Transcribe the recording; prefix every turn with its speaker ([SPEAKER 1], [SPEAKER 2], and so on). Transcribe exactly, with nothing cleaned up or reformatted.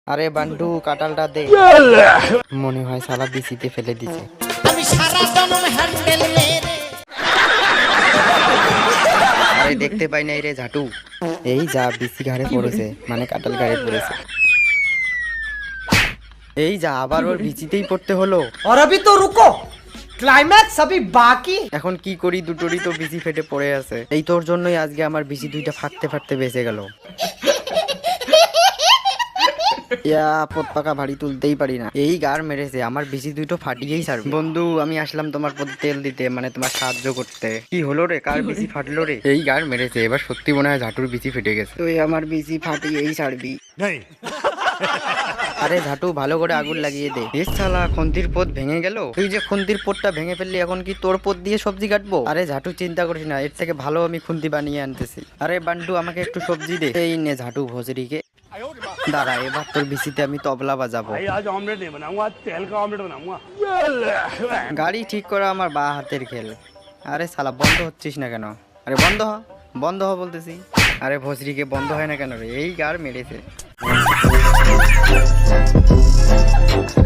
[SPEAKER 1] আরে বান্টু কাঁঠালটা দে। মনে হয় শালা বিচিতে ফেলে দিছে।
[SPEAKER 2] আমি সারা জনম হ্যান্ডেল মেরে।
[SPEAKER 1] আরে দেখতে পাই নাই রে ঝাটু। এই যা বিচি ঘাড়ে পড়েছে, মানে কাঁঠাল ঘাড়ে পড়েছে। এই যা আবার ওর বিচিতেই পড়তে হলো।
[SPEAKER 3] और अभी तो रुको, क्लाइमैक्स अभी बाकी।
[SPEAKER 1] এখন কি করি, দুটোরই তো বিচি ফেটে পড়ে আছে। এই তোর জন্যই আজকে আমার বিচি দুইটা ফাটতে ফাটতে বেঁচে গেল। ইয়া পথ পাকা ভারী তুলতেই পারি না, এই গার মেরেছে, আমার বিচি দুটো ফাটিয়েই ছাড়বে। বন্ধু আমি আসলাম তোমার পথে তেল দিতে, মানে তোমার সাহায্য করতে। কি হলো রে, কার বিচি ফাটলো রে? এই গার মেরেছে, এবার সত্যি মনে হয় ঝাটুর বিচি ফেটে গেছে। তুই আমার বিচি ফাটিয়েই ছাড়বি। আরে ঝাটু ভালো করে আগুন লাগিয়ে দে। এ শালা খন্তির পথ ভেঙে গেল। তুই যে খন্তির পথটা ভেঙে ফেললি, এখন কি তোর পথ দিয়ে সবজি কাটবো? আরে ঝাটু চিন্তা করিস না, এর থেকে ভালো আমি খুন্তি বানিয়ে আনতেছি। আরে বান্টু আমাকে একটু সবজি দে। এই নে ঝাটু ভজরিকে। দাঁড়া এবার তোর বিচিতে আমি তবলা বাজাবো।
[SPEAKER 4] आज ऑमलेट नहीं बनाऊंगा, आज तेल का ऑमलेट बनाऊंगा।
[SPEAKER 1] গাড়ি ঠিক করা আমার বা হাতের খেল। আরে শালা বন্ধ হচ্ছিস না কেন? আরে বন্ধ হ, বন্ধ হ বলতেছি। আরে ভজরিকে বন্ধ হয় না কেন রে? এই গার মেরেছে।